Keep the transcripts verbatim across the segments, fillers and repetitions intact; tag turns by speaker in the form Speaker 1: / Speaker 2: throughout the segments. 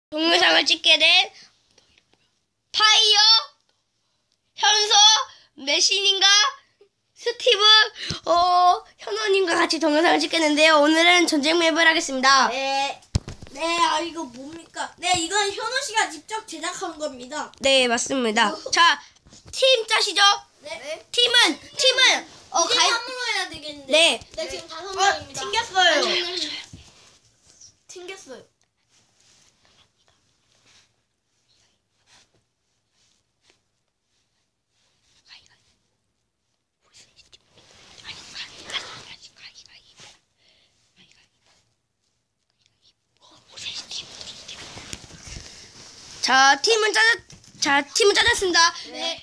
Speaker 1: 동영상을 찍게 된 파이어, 현서, 메신인가, 스티브, 어, 현원님과 같이 동영상을 찍겠는데요. 오늘은 전쟁 맵을 하겠습니다.
Speaker 2: 네. 네, 아, 이거 뭡니까? 네, 이건 현우 씨가 직접 제작한 겁니다.
Speaker 1: 네, 맞습니다. 자, 팀 짜시죠?
Speaker 2: 네.
Speaker 1: 팀은, 팀은, 어,
Speaker 2: 이제
Speaker 1: 가입,
Speaker 2: 삼으로 해야 되겠는데.
Speaker 1: 네.
Speaker 2: 네, 지금 다섯
Speaker 1: 어,
Speaker 2: 명입니다.
Speaker 1: 튕겼어요.
Speaker 2: 튕겼어요.
Speaker 1: 자, 팀은 짜졌, 자, 팀은 짜졌습니다.
Speaker 2: 네.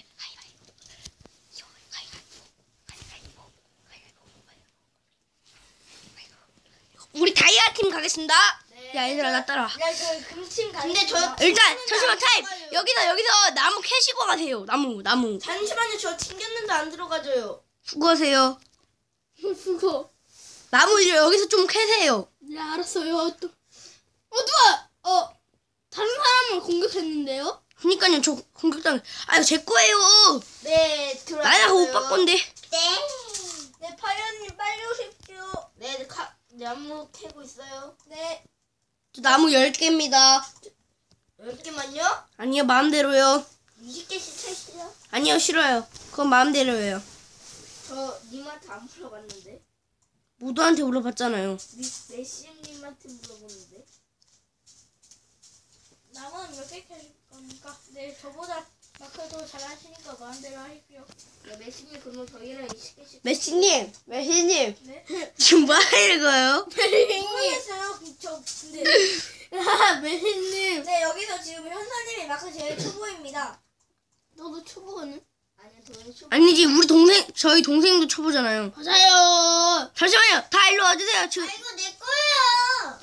Speaker 1: 우리 다이아 팀 가겠습니다.
Speaker 2: 네.
Speaker 1: 야, 얘들아, 나 따라와.
Speaker 2: 야, 저 금침 가. 근데 저
Speaker 1: 일단, 잠시만, 타임! 여기서, 여기서 나무 캐시고 가세요. 나무, 나무.
Speaker 2: 잠시만요. 저 튕겼는데 안 들어가져요.
Speaker 1: 수고하세요.
Speaker 2: 수고.
Speaker 1: 나무 여기서 좀 캐세요.
Speaker 2: 네, 알았어요. 또. 어, 누가 어 다른 사람을 공격했는데요?
Speaker 1: 그니까요, 저 공격당. 아유, 제 거예요.
Speaker 2: 네, 들어왔어요.
Speaker 1: 나야가 오빠 건데.
Speaker 2: 네. 네, 파이어님 빨리 오십시오. 네, 네, 카, 나무 캐고 있어요. 네.
Speaker 1: 저 나무 열 개입니다.
Speaker 2: 열 개만요?
Speaker 1: 아니요, 마음대로요.
Speaker 2: 이십 개씩 캐시죠.
Speaker 1: 아니요, 싫어요. 그건 마음대로예요.
Speaker 2: 저 님한테 안 물어봤는데.
Speaker 1: 모두한테 물어봤잖아요.
Speaker 2: 메시님한테 물어보는데. 나무는 몇 개 캐실 겁니까? 네, 저보다 마크 더 잘하시니까 마음대로 하십시오. 네, 메시님 그러면 저희랑 이십 개씩.
Speaker 1: 메시님, 메시님.
Speaker 2: 네.
Speaker 1: 지금 뭐 하는 거예요?
Speaker 2: 모르겠어요. 저 근데. 아, 메시님. 네, 여기서 지금 현사님이 마크 제일 초보입니다. 너도 초보거든? 아니야, 저는 초보.
Speaker 1: 아니지, 우리 동생, 저희 동생도 초보잖아요.
Speaker 2: 맞아요.
Speaker 1: 잠시만요, 다 일로 와주세요. 지금,
Speaker 2: 이거 내 거예요.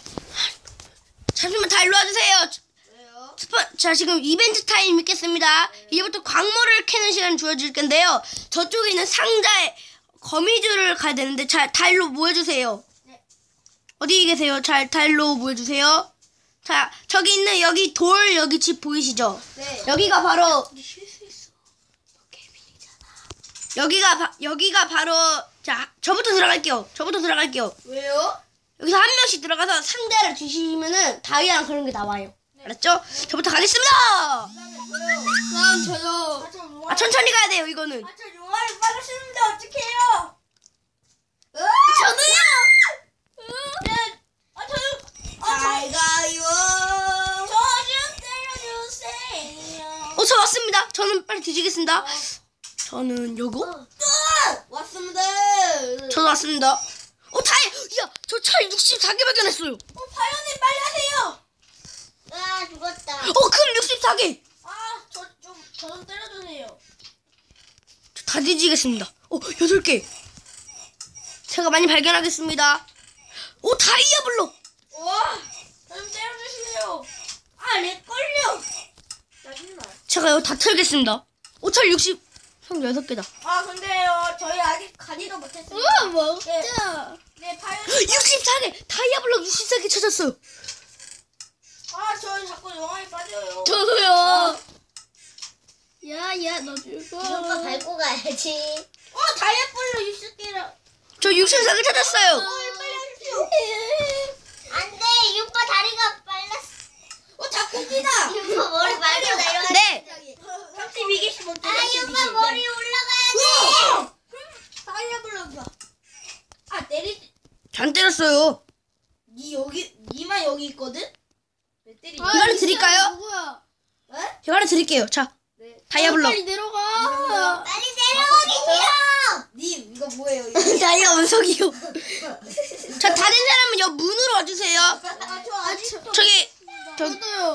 Speaker 1: 잠시만, 다 일로 와주세요.
Speaker 2: 왜요?
Speaker 1: 스포, 자, 지금 이벤트 타임 있겠습니다. 이제부터 광물을 캐는 시간 주어질 건데요. 저쪽에 있는 상자에 거미줄을 가야 되는데, 자, 다 일로 모여주세요.
Speaker 2: 네.
Speaker 1: 어디 계세요? 잘, 다 일로 모여주세요. 자, 저기 있는 여기 돌, 여기 집 보이시죠?
Speaker 2: 네.
Speaker 1: 여기가 바로,
Speaker 2: 쉴 수 있어. 너 개빈이잖아.
Speaker 1: 여기가, 바, 여기가 바로, 자, 저부터 들어갈게요. 저부터 들어갈게요.
Speaker 2: 왜요?
Speaker 1: 여기서 한 명씩 들어가서 상자를 주시면은 다이아랑 그런 게 나와요.
Speaker 2: 네.
Speaker 1: 알았죠? 저부터 가겠습니다!
Speaker 2: 그다음 저요. 아, 저 용암.
Speaker 1: 아, 천천히 가야 돼요, 이거는.
Speaker 2: 아, 저 용암을 빠졌는데 어떡해요?
Speaker 1: 저는요!
Speaker 2: 네. 아, 저요. 아,
Speaker 1: 잘 가요.
Speaker 2: 저 좀 때려주세요.
Speaker 1: 어, 저 왔습니다. 저는 빨리 뒤지겠습니다. 저는 요거?
Speaker 2: 어. 왔습니다.
Speaker 1: 저도 왔습니다. 어, 다이! 야, 저 차 육십사 개 발견했어요.
Speaker 2: 어, 파이어님 빨리 하세요. 아, 죽었다.
Speaker 1: 어, 금 육십사 개!
Speaker 2: 아, 저 좀, 저 좀 때려주세요.
Speaker 1: 저 다 뒤지겠습니다. 어, 여덟 개. 제가 많이 발견하겠습니다. 오, 다이아 블록!
Speaker 2: 와, 저 좀 때려주세요. 아, 렉 걸려. 짜증나.
Speaker 1: 제가 이거 다 털겠습니다. 오, 철 육십, 여섯 개다.
Speaker 2: 아, 근데요, 저희 아직 가지도 못했습니다. 우와,
Speaker 1: 먹자.
Speaker 2: 네, 파이어님.
Speaker 1: 육십사 개! 다이아 블록 육십사 개 찾았어요.
Speaker 2: 아, 저 자꾸 용암에 빠져요.
Speaker 1: 저도요.
Speaker 2: 야, 야, 너 죽어.
Speaker 3: 오빠 밟고 가야지.
Speaker 2: 어, 다이아블로 육십 개라.
Speaker 1: 저 육십사 개 찾았어요.
Speaker 2: 빨리 하십시오.
Speaker 3: 안 돼, 이 오빠 다리가 빨랐어.
Speaker 2: 어, 닭고기다.
Speaker 3: 이 오빠 머리 밟고 내려가.
Speaker 1: 네.
Speaker 2: 삼십이 개씩 먹자.
Speaker 3: 아, 이 오빠 머리 올라가야
Speaker 2: 다이아블로가. 아, 내리.
Speaker 1: 잘 때렸어요.
Speaker 2: 니 여기, 니만 여기 있거든? 왜 때리니?
Speaker 1: 이거를 드릴까요?
Speaker 2: 누구야? 에?
Speaker 1: 제가 하나 드릴게요. 자,
Speaker 2: 네.
Speaker 1: 다이아 블록.
Speaker 2: 빨리 내려가.
Speaker 3: 돼. 빨리 내려가기 싫어.
Speaker 2: 님, 이거 뭐예요? 이거?
Speaker 1: 다이아 원석이요. 자, 다른 사람은 여 문으로 와주세요.
Speaker 2: 아, 저 아직
Speaker 1: 저기, 저,
Speaker 2: 저도요.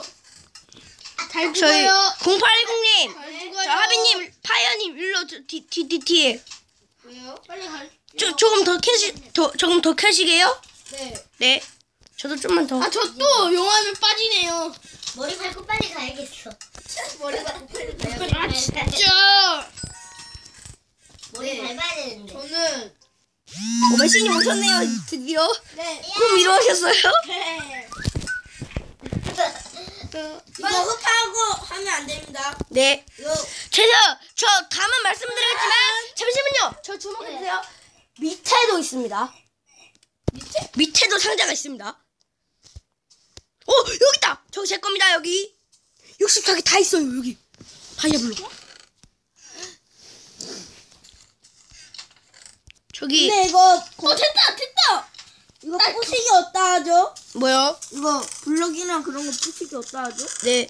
Speaker 2: 잘
Speaker 1: 저희,
Speaker 2: 죽어요.
Speaker 1: 공팔일공님.
Speaker 2: 잘 죽어요.
Speaker 1: 저 하빈님, 파이어님, 일로, 저, 뒤, 뒤, 뒤, 뒤에.
Speaker 2: 왜요? 빨리 갈.
Speaker 1: 저, 조금 더 캐시, 더, 조금 더 캐시게요?
Speaker 2: 네.
Speaker 1: 네. 저도 좀만 더.
Speaker 2: 아, 저 또 용암에 빠지네요.
Speaker 3: 머리 밟고 빨리 가야겠어.
Speaker 2: 머리가 빨리 가요.
Speaker 3: 아,
Speaker 2: 진짜.
Speaker 3: 머리
Speaker 2: 네.
Speaker 3: 밟아야 되는데.
Speaker 2: 저는
Speaker 1: 오, 메시님 오셨네요, 드디어.
Speaker 2: 네.
Speaker 1: 꿈 이루어졌어요?
Speaker 2: 네. 이거 흡하고 하면 안 됩니다.
Speaker 1: 네.
Speaker 2: 이거
Speaker 1: 제가 저 다만 말씀드리겠지만 잠시만요. 저 주목해 주세요. 밑에도 있습니다.
Speaker 2: 밑에?
Speaker 1: 밑에도 상자가 있습니다. 어 여기 있다. 저기 제 겁니다. 여기 육십사 개 다 있어요. 여기 다이아블로. 저기
Speaker 2: 근데 이거
Speaker 1: 어 됐다 됐다.
Speaker 2: 이거 부식이 없다 하죠?
Speaker 1: 뭐요?
Speaker 2: 이거 블럭이나 그런 거 부식이 없다 하죠?
Speaker 1: 네.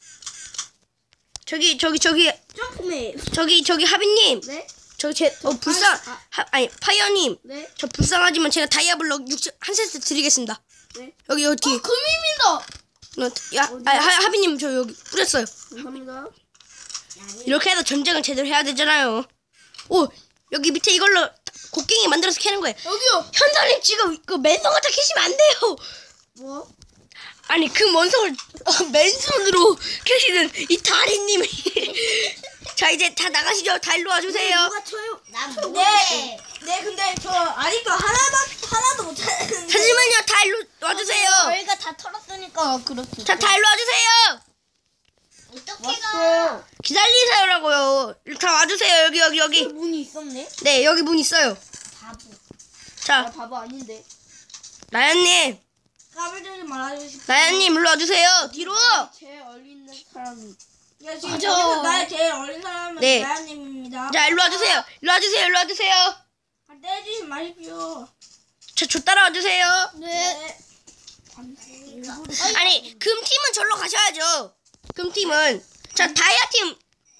Speaker 1: 저기 저기 저기
Speaker 2: 점프맨.
Speaker 1: 저기 저기 하빈님.
Speaker 2: 네?
Speaker 1: 저기 제 어 불쌍
Speaker 2: 아, 아.
Speaker 1: 하, 아니 파이어님.
Speaker 2: 네?
Speaker 1: 저 불쌍하지만 제가 다이아블럭 육십 한 세트 드리겠습니다.
Speaker 2: 네?
Speaker 1: 여기 여기 뒤에.
Speaker 2: 금입니다.
Speaker 1: 너, 야, 아, 하, 하빈님 저 여기 뿌렸어요.
Speaker 2: 감사합니다.
Speaker 1: 이렇게 해서 전쟁을 제대로 해야 되잖아요. 오 여기 밑에 이걸로 곡괭이 만들어서 캐는 거예요.
Speaker 2: 여기요.
Speaker 1: 현선님 지금 그 맨손 갖다 캐시면 안 돼요.
Speaker 2: 뭐?
Speaker 1: 아니 그 원성을 어, 맨손으로 캐시는 이 다리님이. 자 이제 다 나가시죠. 다 일로 와주세요.
Speaker 2: 누가 쳐요?
Speaker 3: 난
Speaker 2: 네.
Speaker 3: 못해.
Speaker 2: 네, 근데 저 아직도 하나도 하나도 못 찾았는데.
Speaker 1: 잠시만요. 다 일로 와주세요.
Speaker 3: 저희가 다 털었으니까 그렇게.
Speaker 1: 자 다 일로 와주세요.
Speaker 3: 어떻게 가?
Speaker 1: 기다리세요라고요. 다 와주세요. 여기 여기 여기.
Speaker 2: 문이 있었네.
Speaker 1: 네 여기 문 있어요.
Speaker 3: 바보.
Speaker 2: 아,
Speaker 1: 자
Speaker 2: 바보 아닌데.
Speaker 1: 나연님.
Speaker 2: 까불지 말아주십시오.
Speaker 1: 나연님 일로 와주세요. 뒤로.
Speaker 2: 제일 어린 사람이. 야 지금
Speaker 1: 맞아.
Speaker 2: 여기서 나의 제일 어린 사람은
Speaker 1: 네.
Speaker 2: 나연님입니다.
Speaker 1: 자 일로 와주세요. 일로 와주세요. 일로 와주세요.
Speaker 2: 아, 떼주지 마십시오.
Speaker 1: 저, 저 따라와 주세요.
Speaker 2: 네.
Speaker 1: 아니 금팀은 절로 가셔야죠. 금팀은 자 다이아팀.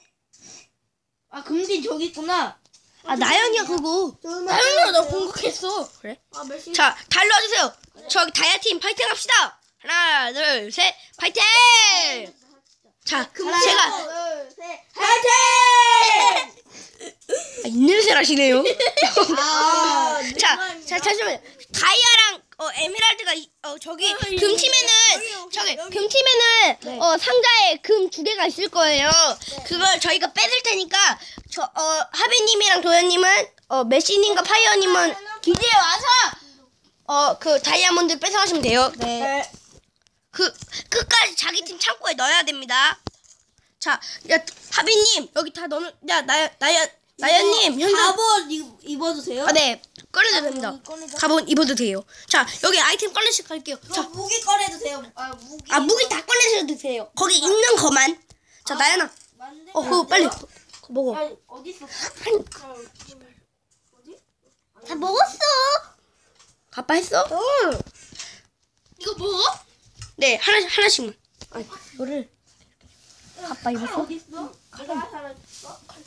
Speaker 2: 아 금진 저기 있구나.
Speaker 1: 아 나연이야 그거.
Speaker 2: 나연이가 나 공격했어.
Speaker 1: 그래?
Speaker 2: 아 몇시?
Speaker 1: 자 다 일로 와주세요. 저기 다이아팀 파이팅 합시다. 하나 둘 셋 파이팅. 자 제가
Speaker 2: 둘셋 화이팅!
Speaker 1: 아, 입냄새 나시네요.
Speaker 2: 아,
Speaker 1: 자, 자 잠시만요. 다이아랑 어, 에메랄드가 이- 어 저기 금팀에는 저기 금팀에는 어 상자에 금 두 개가 있을 거예요. 그걸 저희가 뺏을 테니까 저 어 하빈님이랑 도현님은 어 메시님과 파이어님은 기지에 와서 어 그 다이아몬드 뺏어가시면 돼요.
Speaker 2: 네.
Speaker 1: 그 끝까지 자기 팀 창고에 넣어야 됩니다. 자, 야 하빈님 여기 다 넣는 야 나연 나연 나연님 현재
Speaker 2: 갑옷 입- 입어주세요.
Speaker 1: 아, 네. 꺼내도 됩니다.
Speaker 2: 꺼내자.
Speaker 1: 가본 입어도 돼요. 자, 여기 아이템 꺼내실 갈게요.
Speaker 2: 저
Speaker 1: 자,
Speaker 2: 무기 꺼내도 돼요. 아 무기.
Speaker 1: 아, 무기 다 꺼내셔도 되세요. 거기 있는 거만. 자, 나연아.
Speaker 2: 만들면
Speaker 1: 어, 그거
Speaker 2: 안
Speaker 1: 빨리
Speaker 2: 돼요?
Speaker 1: 그거 먹어.
Speaker 2: 야 어디 있어?
Speaker 1: 아니,
Speaker 2: 어디?
Speaker 3: 다 먹었어.
Speaker 1: 아빠 했어?
Speaker 2: 응. 이거 먹어?
Speaker 1: 네, 하나 하나씩만. 아니, 이거를 아빠
Speaker 2: 칼
Speaker 1: 입었어?
Speaker 2: 어디 있어? 내가 하나 줬어. 칼.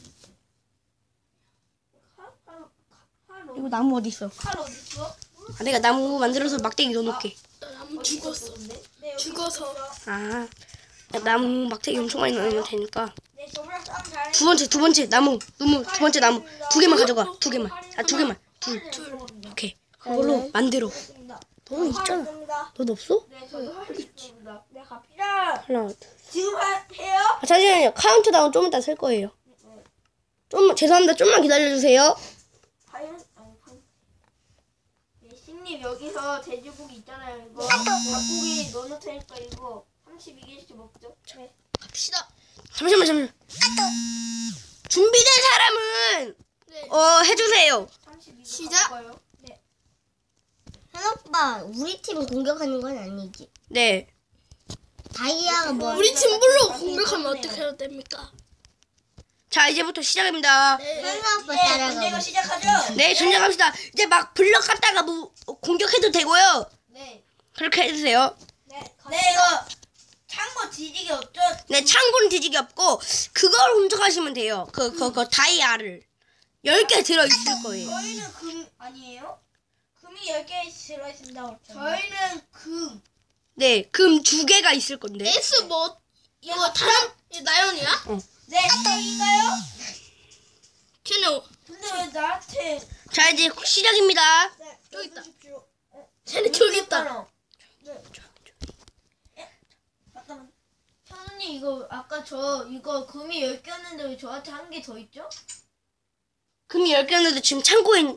Speaker 2: 칼? 칼, 칼 어디?
Speaker 1: 이거 나무 어디 있어?
Speaker 2: 칼 어디 있어?
Speaker 1: 아, 내가 나무 만들어서 막대기 넣어놓게.
Speaker 2: 나무 죽었어. 네, 죽어서.
Speaker 1: 아, 야, 나무 막대기 엄청 많이 넣으면 되니까.
Speaker 2: 네, 저번에 싸움 잘해.
Speaker 1: 두 번째, 두 번째 나무, 나무, 두 번째 나무 두 개만 가져가. 두 개만. 아, 두 개만. 둘, 둘. 오케이. 그걸로 만들어. 너 있잖아. 너도 없어?
Speaker 2: 네, 저도 할 수 있습니다. 네, 갑시다.
Speaker 1: 하나, 둘.
Speaker 2: 지금 하, 해요?
Speaker 1: 아, 잠시만요. 카운트다운 좀 이따 셀 거예요. 좀 죄송합니다. 좀만 기다려주세요.
Speaker 2: 과연 아니 과연. 네, 신님 여기서 돼지고기 있잖아요. 이거 닭고기 넣어놓을 테니까 이거 삼십이 개씩 먹죠. 네.
Speaker 1: 갑시다. 잠시만, 잠시만. 준비된 사람은 어 해주세요.
Speaker 2: 삼십이 개
Speaker 3: 시작.
Speaker 2: 가볼까요? 네.
Speaker 3: 현 오빠, 우리 팀 공격하는 건 아니지.
Speaker 1: 네.
Speaker 3: 다이아가 뭐?
Speaker 2: 우리 팀 물로 공격하면 어떻게 해야 됩니까?
Speaker 1: 자, 이제부터 시작입니다.
Speaker 3: 현 오빠
Speaker 2: 네,
Speaker 3: 따라가.
Speaker 2: 문제가 시작하죠.
Speaker 1: 네, 전쟁합시다. 이제 막 블럭 갖다가 뭐 공격해도 되고요.
Speaker 2: 네.
Speaker 1: 그렇게 해주세요.
Speaker 2: 네, 네 이거 창고 뒤지기 없죠?
Speaker 1: 네, 창고는 뒤지기 없고 그걸 훔쳐가시면 돼요. 그, 그, 그 다이아를 열 개 들어있을 거예요.
Speaker 2: 저희는 금 아니에요? 금이 열 개 들어있습니다. 저희는 금.
Speaker 1: 네, 금 두 개가 있을 건데.
Speaker 2: S 뭐 이거 다른 나연이야?
Speaker 1: 어.
Speaker 2: 네, 여기가요?
Speaker 1: 쟤는
Speaker 2: 근데 왜 나한테
Speaker 1: 자, 이제 시작입니다.
Speaker 2: 네, 여기 있다. 쟤는 저기 있다. 네. 예? 잠깐만. 현우님 이거 아까 저 이거 금이 열 개였는데 왜 저한테 한 개 더 있죠?
Speaker 1: 금이 열 개였는데 지금 창고에 있-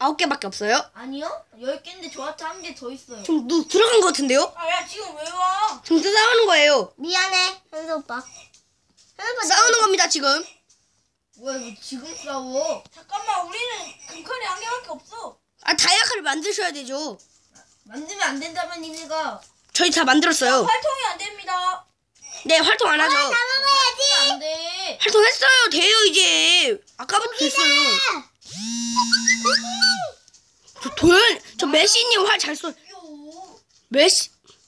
Speaker 1: 아홉 개밖에 없어요?
Speaker 2: 아니요? 열 개인데 저한테 한 개 더 있어요.
Speaker 1: 지금 누 들어간 것 같은데요?
Speaker 2: 아, 야, 지금 왜 와?
Speaker 1: 지금 싸우는 거예요.
Speaker 3: 미안해, 현수 오빠. 현수 오빠
Speaker 1: 싸우는 겁니다 지금.
Speaker 2: 뭐야, 왜 지금 싸워? 잠깐만, 우리는 금칼이 한 개밖에 없어.
Speaker 1: 아 다이아카를 만드셔야 되죠.
Speaker 2: 만들면 안 된다면 니네가.
Speaker 1: 저희 다 만들었어요.
Speaker 2: 활동이 안 됩니다.
Speaker 1: 네 활동 안 하죠.
Speaker 3: 다 먹어야지.
Speaker 2: 안 돼.
Speaker 1: 활동했어요. 돼요 이제. 아까부터 됐어요. 저 도현, 저 메시님 활 잘 쏘.
Speaker 2: 요.
Speaker 1: 메시.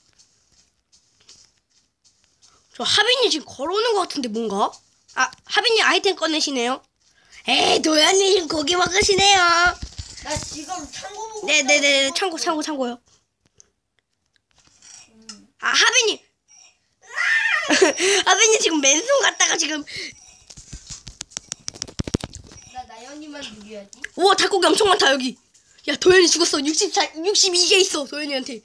Speaker 1: 저 하빈이 지금 걸어오는 것 같은데 뭔가? 아 하빈이 아이템 꺼내시네요. 에이 도현이 지금 고기 먹으시네요.
Speaker 2: 나 지금 창고 보고.
Speaker 1: 네네네 참고 참고 참고요. 아 하빈이. 하빈이 지금 맨손 갔다가 지금.
Speaker 2: 나 나연이만 누려야지.
Speaker 1: 우와 닭고기 엄청 많다 여기. 야 도현이 죽었어. 육십사, 육십이 개 있어 도현이한테. 야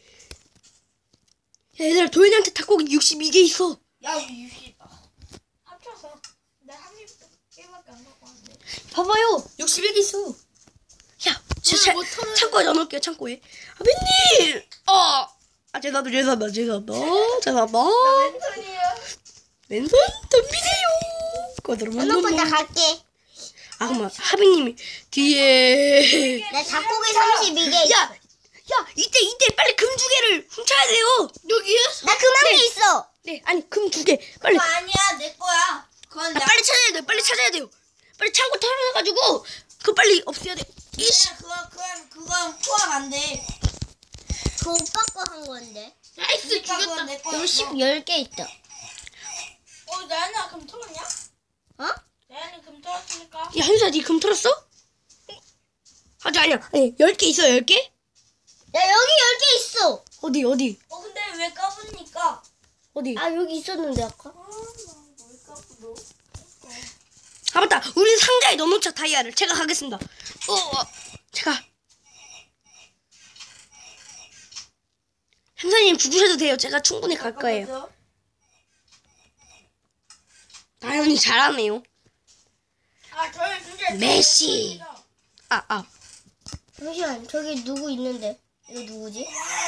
Speaker 1: 얘들아 도현이한테 닭고기 육십이 개 있어.
Speaker 2: 야, 우리 육십. 아, 합쳐서. 나 한 개밖에 안 갖고 왔는데.
Speaker 1: 봐봐요 육십일 개 있어. 야 진짜
Speaker 2: 못 털어요.
Speaker 1: 창고에 넣어놓을게요 창고에. 하빈님. 어. 아 죄송합니다 죄송합니다 죄송합니다 죄송합니다.
Speaker 2: 왼손이야.
Speaker 1: 왼손 덤비세요. 거들어
Speaker 3: 현수 오빠 나 갈게.
Speaker 1: 아 그만 하빈님이 뒤에.
Speaker 3: 나 닭고기 삼십이 개 있어.
Speaker 1: 야, 야 이때 이때 빨리 금 두 개를 훔쳐야 돼요.
Speaker 2: 여기에?
Speaker 3: 나 그만
Speaker 1: 네.
Speaker 3: 개 있어.
Speaker 1: 네 아니 금 두 개 빨리.
Speaker 2: 그거 아니야, 내 거야. 그건
Speaker 1: 아,
Speaker 2: 나.
Speaker 1: 빨리 찾아야 돼요. 빨리 찾아야 돼요. 빨리 창고 털어가지고 그거 빨리 없애야 돼. 이씨.
Speaker 2: 그거, 그건, 그건 포함 안 돼.
Speaker 3: 그 오빠 거 한 건데.
Speaker 1: 나이스
Speaker 2: 그러니까 그건 내 거야.
Speaker 3: 육십, 열 개 있다.
Speaker 2: 어, 나연아, 금 털었냐?
Speaker 3: 어?
Speaker 2: 나연이 금 털었으니까.
Speaker 1: 야 현수야 니 금 털었어? 아직 아니야. 아니 열 개 있어 열 개?
Speaker 3: 야, 여기 열 개 있어.
Speaker 1: 어디 어디
Speaker 2: 어, 근데 왜 까부니까?
Speaker 1: 어디?
Speaker 3: 아, 여기 있었는데, 아까.
Speaker 2: 아, 나왜 까부,
Speaker 1: 아 맞다. 우리 상자에 넣어놓자 다이아를. 제가 가겠습니다. 어, 어 제가. 현수님 죽으셔도 돼요. 제가 충분히 갈 거예요. 나연이 잘하네요.
Speaker 2: 아, 저희 진짜.
Speaker 1: 메시. 아 아.
Speaker 3: 잠시만, 저기 누구 있는데? 이거 누구지?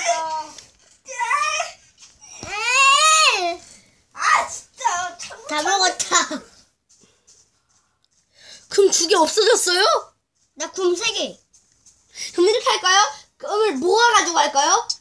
Speaker 3: 에이!
Speaker 2: 아, 진짜. 참.
Speaker 3: 다 먹었다.
Speaker 1: 금 두 개 없어졌어요?
Speaker 3: 나 금 세 개.
Speaker 1: 그럼 이렇게 할까요? 금을 모아가지고 할까요?